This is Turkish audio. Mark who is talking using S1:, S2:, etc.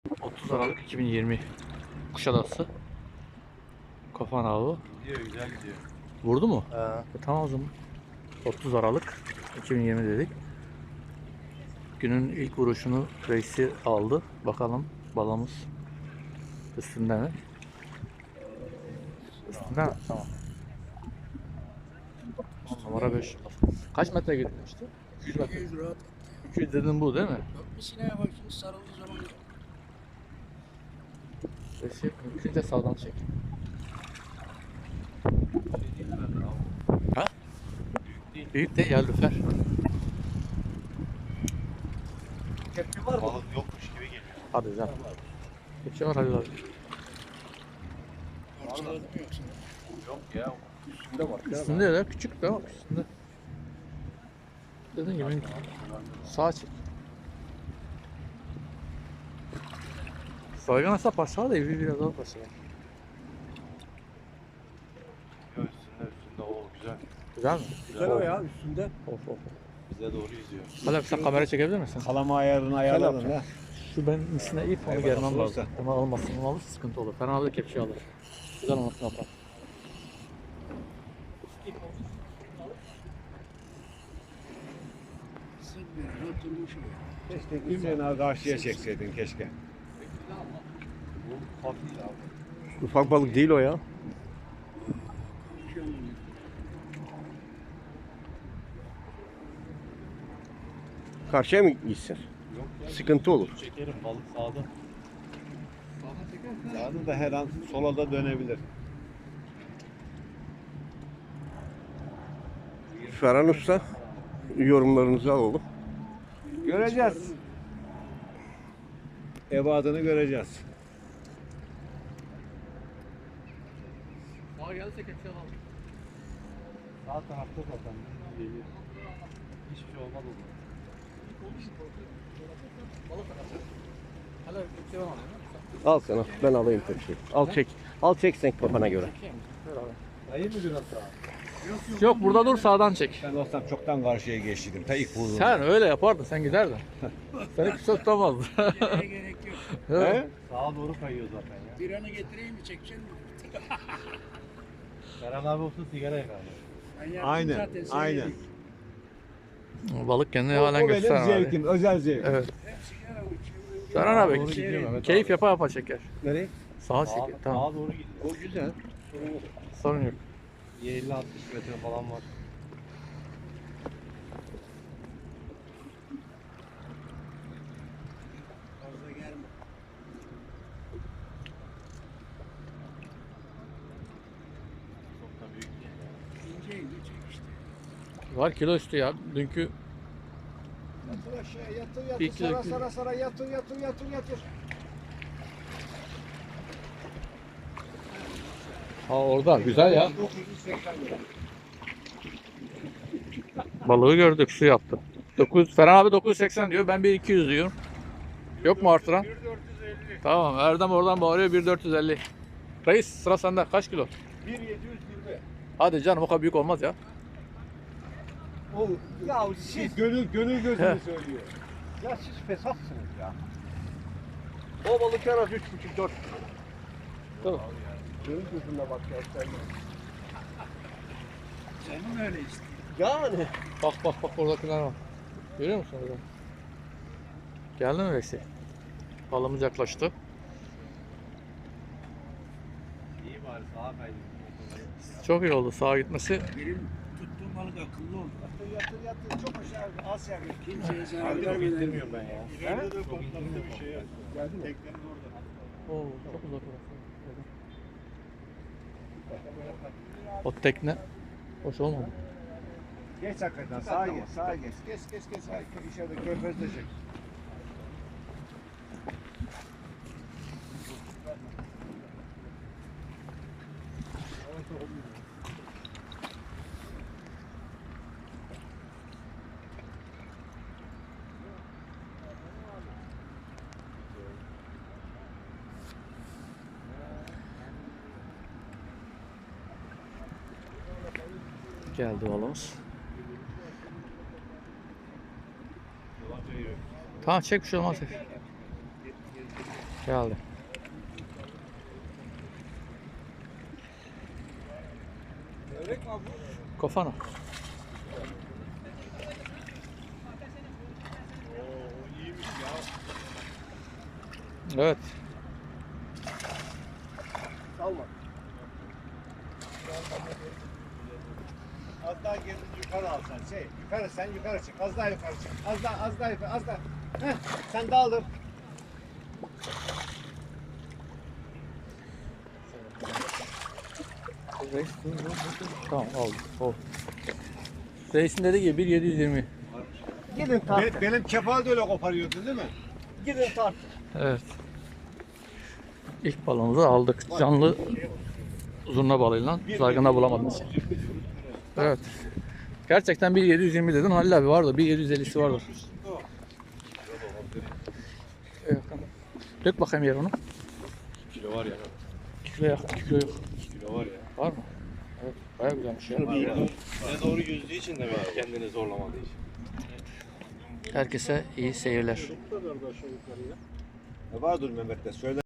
S1: 30 Aralık 2020 Kuşadası Kafan avı.
S2: Gidiyor, güzel gidiyor.
S1: Vurdu mu?
S2: Ha.
S1: Tamam o zaman. 30 Aralık 2020 dedik. Günün ilk vuruşunu reisi aldı. Bakalım balımız üstünde mi? Üstünde mi? Tamam. Numara 5. Kaç metre gitmişti? 200 metre.
S3: 200 rahat.
S1: 200 dedin bu değil mi?
S3: Bak bir sineye bak şimdi sarıldığı zaman yok.
S1: Reisi mümkünce sağdan çek. Ha? Büyük de ya lüfer.
S2: Kepçe var mı? Balık yokmuş gibi geliyor.
S1: Hadi canım. Kepçe var hadi abi.
S3: Parçaladı mı yoksa?
S2: Yok ya. Üstünde bak.
S1: Üstünde ya küçük de bak üstünde. Dediğin gibi sağa çek. Saygan asa paşa da evi biraz daha paşa.
S2: Yok üstünde o güzel.
S1: Güzel mi?
S4: Güzel o ya üstünde.
S1: Of of.
S2: Bize doğru yüzüyor.
S1: Hala sen kamera çekebilir misin?
S4: Kalama ayarını ayarladın ha.
S1: Şu ben misine ip onu
S4: Eyvallah,
S1: germem
S4: olursa.
S1: lazım. Onu almasın, onu alırsa sıkıntı olur. Fena da kepçe alır. Güzel olmasını yapar.
S3: Sıkmıyor, oturmuş o.
S4: Keşke gitseydin karşıya çekseydin keşke.
S2: Bu hafif abi.
S5: Ufak balık değil o ya.
S3: Konuşuyor mu?
S5: Karşıya mı gitsin?
S2: Yok ya.
S5: Sıkıntı olur.
S2: Çekerim balık sağda.
S4: Sağda da her an sola da dönebilir.
S5: Ferhan Usta yorumlarınızı alalım.
S4: Göreceğiz. Ebadını göreceğiz.
S1: Sağa gelirse kepçe alalım.
S2: Sağ tarafta zaten geliyor. Hiçbir şey olmaz o zaman.
S1: Balık atar. Hala kepçe var mı?
S5: Al sana. Ben alayım tepsiyi. Al çek. Al çek sen kafana göre.
S2: Dayı mı biraz daha?
S1: Yok burada dur sağdan çek.
S4: Ben olsam çoktan karşıya geçtim. Ta ilk vurduğum.
S1: Sen öyle yapardın sen giderdin. Seni kimse tutamazdı.
S3: Nereye gerek yok.
S4: He?
S2: Sağa doğru kayıyor zaten ya.
S3: Bir anı getireyim mi çekeceksin mi?
S2: Ferhan abi olsun sigara yakar.
S3: Ben yaptım
S4: Aynen,
S3: zaten, sen
S4: aynen.
S3: yedin.
S1: Balık kendini
S4: O
S1: halen
S4: benim
S1: göster abi.
S4: zevkim, özel zevkim.
S1: Evet.
S3: Hep sigara uçuyor.
S1: Serhan
S2: Doğru
S1: abi
S2: gidiyor Mehmet
S1: keyif
S2: abi.
S1: yapa yapa çeker.
S5: Nereye?
S1: Sağa çek. Tamam.
S2: Sağa doğru gidiyor.
S5: O güzel.
S1: Sorun yok.
S2: 50-60 metre falan var.
S3: Fazla gelme.
S2: Çok da büyük değil.
S3: İnce ince çek işte.
S1: Var kilo üstü ya. Dünkü
S4: Yatır aşağı, yatır
S1: Bir
S4: yatır,
S1: kilo-
S4: sara sara yatır yatır yatır yatır.
S1: ha orada güzel ya.
S4: 980 lira.
S1: Balığı gördük su yaptı. 9 Ferhan abi 980 diyor. Ben 1200 diyorum. Yok mu artıran?
S4: 1450.
S1: Tamam. Erdem oradan bağırıyor 1450. Reis sıra sende. Kaç kilo?
S4: 1720.
S1: Hadi canım o kadar büyük olmaz ya.
S4: O ya siz gönül gözünü söylüyor. Ya siz fesatsınız ya.
S5: O balık en az 3,5-4 kilo.
S1: Tamam.
S5: Gönül gözünle bak ya sen.
S3: Senin öyle işte.
S5: Yani.
S1: Bak bak bak oradakiler var. Görüyor musun orada? Geldi mi Reisi? Balımız yaklaştı.
S2: İyi bari sağa kaydı.
S1: Çok iyi oldu sağa gitmesi.
S3: Benim tuttuğum balık akıllı oldu.
S4: Yatır yatır çok aşağı az yer.
S3: Kimseye zarar
S2: Abi çok
S3: vermeden.
S2: indirmiyorum ben ya.
S4: He?
S2: Çok indirmiyorum.
S4: bir şey yok. Geldi mi? Teknenin orada.
S1: Oo, çok uzak orası. O tekne hoş olmadı.
S4: Geç hakikaten sağa geç sağa geç. Geç geç geç. Ay, içeride körfezde çek.
S1: Geldi balımız. Tamam çek bir şey olmaz. Geldi.
S4: Öğrek mi abi?
S1: Kofana.
S4: Oo iyiymiş ya.
S1: Evet.
S4: Salma. Az daha geri yukarı alsan yukarı sen yukarı çık az daha yukarı çık az daha yukarı az daha. Heh, sen daldır.
S1: Tamam aldım. Oh. Reisin dediği gibi 1.720.
S4: Gidin tart. Benim kefal da öyle koparıyordun değil mi? Gidin tart.
S1: Evet. İlk balığımızı aldık. Canlı zurna balığıyla. Zargana bulamadım. Evet. Gerçekten 1.720 dedin. Halil abi vardı. 1.750'si vardır. Evet. Dök bakayım yer onu.
S2: Kilo var ya.
S1: 2 kilo yakın. 2 kilo yok.
S2: Kilo var ya.
S1: Var mı? Evet. Bayağı güzelmiş ya.
S2: Ne doğru yüzdüğü için demek ki kendini zorlamadığı için.
S1: Herkese iyi seyirler.
S4: Ne vardır Mehmet'te söyle.